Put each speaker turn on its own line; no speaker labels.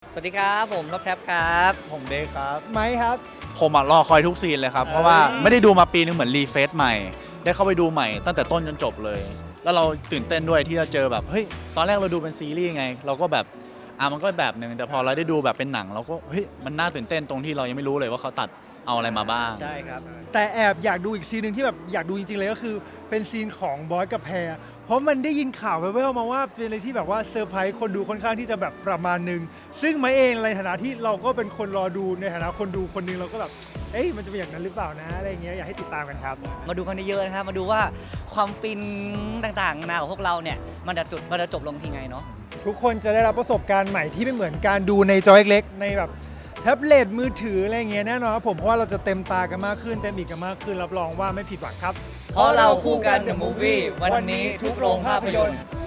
สวัสดีครับผมรอบแท็บครับ
ผมเบคครับ
ไหมครับ
ผมรอคอยทุกซีนเลยครับ เพราะว่าไม่ได้ดูมาปีนึงเหมือนรีเฟซใหม่ ได้เข้าไปดูใหม่ตั้งแต่ต้นจนจบเลย แล้วเราตื่นเต้นด้วยที่จะเจอแบบเฮ้ยตอนแรกเราดูเป็นซีรีส์ไง เราก็แบบมันก็แบบหนึ่งแต่พอเราได้ดูแบบเป็นหนังเราก็เฮ้ยมันน่าตื่นเต้นตรงที่เรายังไม่รู้เลยว่าเขาตัดเอาอะไรมาบ้าง
ใช่ครับ
แต่แอบอยากดูอีกซีนหนึ่งที่แบบอยากดูจริงๆเลยก็คือเป็นซีนของบอยกับแพรเพราะมันได้ยินข่าวแว่วๆมาว่าเป็นอะไรที่แบบว่าเซอร์ไพรส์คนดูค่อนข้างที่จะแบบประมาณหนึงซึ่งไม้เองในฐานะที่เราก็เป็นคนรอดูในฐานะคนดูคนหนึงเราก็แบบเอ้ยมันจะเป็นอย่างนั้นหรือเปล่านะอะไรอย่างเงี้ยอยากให้ติดตามกันครับ
มาดูกันเยอะๆนะครับมาดูว่าความฟินต่างๆนานาของพวกเราเนี่ยมันจะจบลงที่ไงเนาะ
ทุกคนจะได้รับประสบการณ์ใหม่ที่ไม่เหมือนการดูในจอเล็กๆในแบบแท็บเล็ตมือถืออะไรอย่างเงี้ยแน่นอนครับผมเพราะว่าเราจะเต็มตากันมากขึ้นเต็มอีกกันมากขึ้นรับรองว่าไม่ผิดหวังครับ
เพราะเราคู่กัน The Movie วันนี้ทุกโรงภาพยนตร์